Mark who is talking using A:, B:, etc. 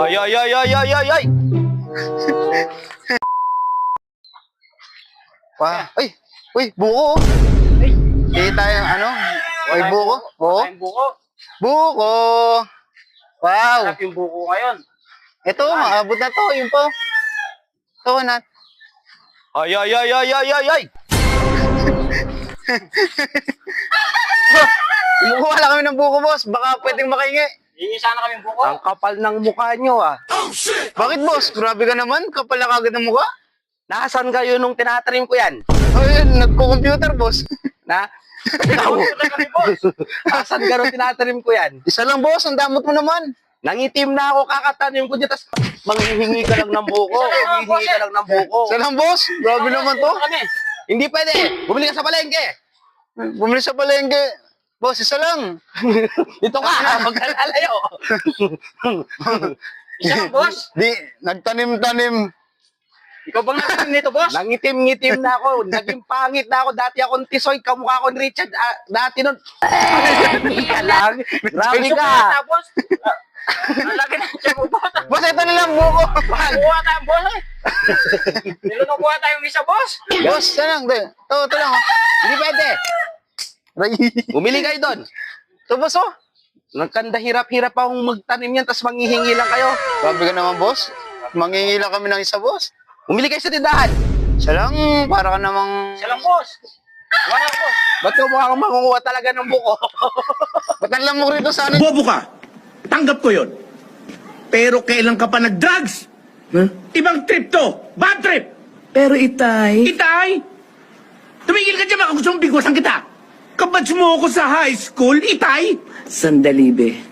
A: Ay, ay, ay, ay, ay, ay, ay!
B: Ay, uy, buko. Hindi tayo, ano? Ay, buko. Oo.
A: Tayong buko.
B: Buko. Wow.
A: Sarap yung buko ngayon.
B: Ito, maabot na to. Yun po. Ito, Nat.
A: Ay, ay, ay, ay, ay, ay, ay!
B: Kumukuha lang kami ng buko, boss. Baka pwedeng makahingi.
A: Hingi sana kami buko.
C: Ang kapal ng mukha nyo ah.
B: Bakit, boss? Grabe ka naman. Kapal na kagad ng mukha.
C: Nasaan kayo nung tinatanim ko yan?
B: Ayun, nagko-computer, boss.
C: Na? Ikaw. Nasaan ka nung tinatanim ko yan?
B: Isa lang, boss. Ang damot mo naman.
C: Nangitim na ako kakatanim ko dyan, tapos manghihingi ka lang ng buko. Manghihingi ka lang ng buko.
B: Isa lang, boss. Grabe naman to.
A: Kami.
C: Hindi pwede. Bumili ka sa palengke.
B: Bumili sa palengke. Boss, isa lang.
C: Dito ka. Huwag ka lalayo.
A: Isa lang, boss.
B: Di, nagtanim-tanim.
A: Ikaw bang nagtanim nito, boss?
C: Nangitim-ngitim na ako. Naging pangit na ako. Dati akong tisoy. Kamukha ko ni Richard. Dati nun. Ka lang. Grabe ka.
A: Boss. Ang laki na siya mo, boss.
B: Boss, ito na lang buko.
A: Kuha tayo, boss. Nilunong kuha tayong isa, boss.
B: Boss, isa lang. Ito lang. Oh.
C: Hindi pwede.
B: Aray.
C: Bumili kayo doon.
B: Ito, boss, oh.
C: Nagkanda hirap-hirap akong magtanim yan, tapos manghihingi lang kayo.
B: Grabe ka naman, boss. Mangingi lang kami ng isa, boss.
C: Bumili kayo sa tindahan.
B: Isa lang, para ka namang...
A: Isa lang, boss. Wala, boss.
C: Ba't ko mukhang mangunguha talaga ng buko?
B: Ba't ang lamok rito sa anin?
D: Bobo ka. Tanggap ko yon. Pero kailan ka pa nag-drugs? Ibang trip to. Bad trip.
E: Pero itay,
D: Itay! Tumigil ka dyan, baka gusto mong bigwasan kita. Kabatch mo ako sa high school, Itay!
E: sandali be.